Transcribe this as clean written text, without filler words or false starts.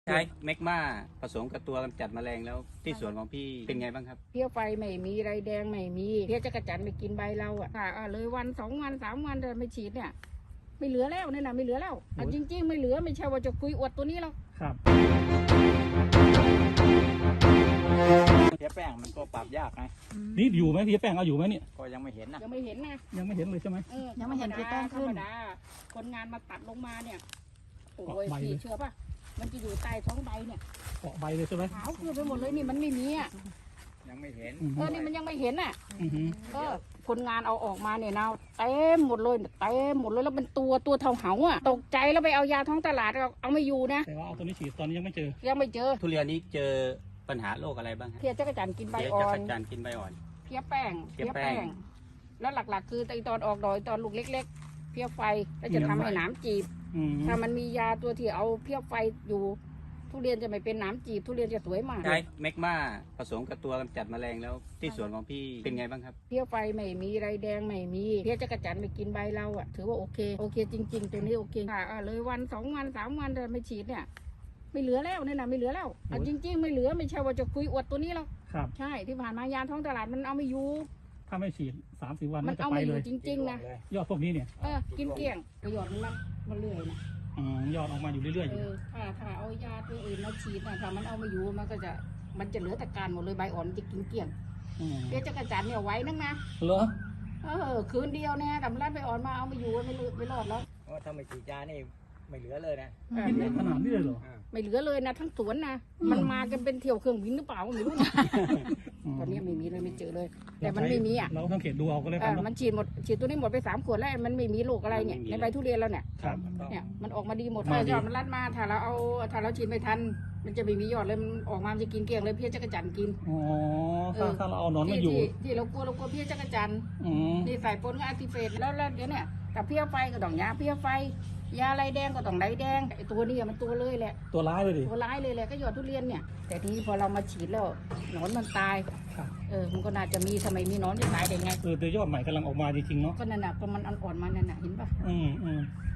ใช้แมกมาผสมกับตัวกำจัดแมลงแล้วที่สวนของพี่เป็นไงบ้างครับเพี้ยไฟไม่มีไรแดงไม่มีเพี้ยจักรจันทร์ไปกินใบเราเลยวัน2 วัน3 วันแต่ไม่ฉีดเนี่ยไม่เหลือแล้วเนี่ยนะไม่เหลือแล้วจริงๆไม่เหลือไม่ใช่ว่าจะคุยอวดตัวนี้หรอกครับเพี้ยแป้งมันก็ปรับยากไงนี่อยู่ไหมพี่แป้งเอาอยู่ไหมเนี่ยก็ยังไม่เห็นนะยังไม่เห็นนะยังไม่เห็นเลยใช่ไหมยังไม่เห็นพี่แป้งขึ้นคนงานมาตัดลงมาเนี่ยโอ้ยพี่เชื่อป่ะมันจะอยู่ใต้ท้องใบเนี่ยเกาะใบเลยใช่ไหมขาวขึ้นไปหมดเลยนี่มันไม่มีอ่ะยังไม่เห็นนี่มันยังไม่เห็นอ่ะก็คนงานเอาออกมาเนี่ยนะเต็มหมดเลยเต็มหมดเลยแล้วเป็นตัวเท่าเหาอ่ะตกใจแล้วไปเอายาท้องตลาดเอาไม่อยู่นะแต่ว่าเอาตัวนี้ฉีดตอนนี้ยังไม่เจอทุเรียนนี้เจอปัญหาโรคอะไรบ้างครับเพี้ยจักรจันทร์กินใบอ่อนจักรจันทร์กินใบอ่อนเพี้ยแป้งแล้วหลักๆคือตอนออกดอกตอนลูกเล็กๆเพี้ยไฟแล้วจะทำให้หนามจีบถ้ามันมียาตัวที่เอาเพี้ยไฟอยู่ทุเรียนจะไม่เป็นหนามจีบทุเรียนจะสวยมากใช้แมกมาผสมกับตัวกำจัดแมลงแล้วที่สวนของพี่เป็นไงบ้างครับเพี้ยไฟไม่มีไรแดงไม่มีเพี้ยจักรจันทร์ไปกินใบเราถือว่าโอเคจริงๆตัวนี้โอเคเลยวัน2 วัน3 วันแต่ไม่ฉีดเนี่ยไม่เหลือแล้วเนี่ยนะไม่เหลือแล้วจริงๆไม่เหลือไม่ใช่ว่าจะคุยอวดตัวนี้หรอกครับใช่ที่ผ่านมายาท้องตลาดมันเอาไม่อยู่ถ้าไม่ฉีด3-4 วันมันเอาไม่อยู่จริงๆนะยอดพวกนี้เนี่ยกินเกลี้ยงประโยชน์มันเรื่อยนะยอดออกมาอยู่เรื่อยๆอยู่ถ้าเอายาตัวอื่นมาฉีดถ้ามันเอาไม่อยู่มันจะเหลือแต่การหมดเลยใบอ่อนจะกินเกลี้ยงเพี้ยจักรจันทร์เนี่ยไว้นักนะเหรอคืนเดียวเนี่ยแต่มันใบอ่อนมาเอาไม่อยู่ไม่รอดแล้วถ้าไม่ฉีดยานี่ไม่เหลือเลยนะกินได้ขนาดนี้เลยเหรอไม่เหลือเลยนะทั้งสวนนะมันมากันเป็นเที่ยวเครื่องบินหรือเปล่าไม่รู้นะตอนนี้ไม่มีเลยไม่เจอเลยแต่มันไม่มีเราต้องเขียนดูเอาก็เลยครับมันฉีดตัวนี้หมดไป3 ขวดแล้วมันไม่มีโรคอะไรเนี่ยในใบทุเรียนแล้วเนี่ยมันออกมาดีหมดยอดมันรัดมาถ้าเราฉีดไม่ทันมันจะไม่มียอดเลยมันออกมาจะกินเกลี้ยงเลยเพี้ยจักรจันทร์กินถ้าเราเอานอนไม่อยู่ที่เรากลัวเพี้ยจักรจันทร์นี่ใส่ปนกับอาร์ติเฟตแล้วเดี๋ยวเนี่ยแต่เพี้ยไฟก็ต้องยาเพี้ยไฟยาไรแดงก็ต้องไรแดงไอตัวนี้มันตัวเลยแหละตัวร้ายเลยดิตัวร้ายเลยแหละก็ยอดทุเรียนเนี่ยแต่ทีนี้พอเรามาฉีดแล้วหนอนมันตายมันก็น่าจะมีทำไมมีหนอนจะตายได้ไงแต่ยอดใหม่กำลังออกมาจริงๆเนาะก็นั่นน่ะก็มันอ่อนๆมานั่นน่ะเห็นป่ะ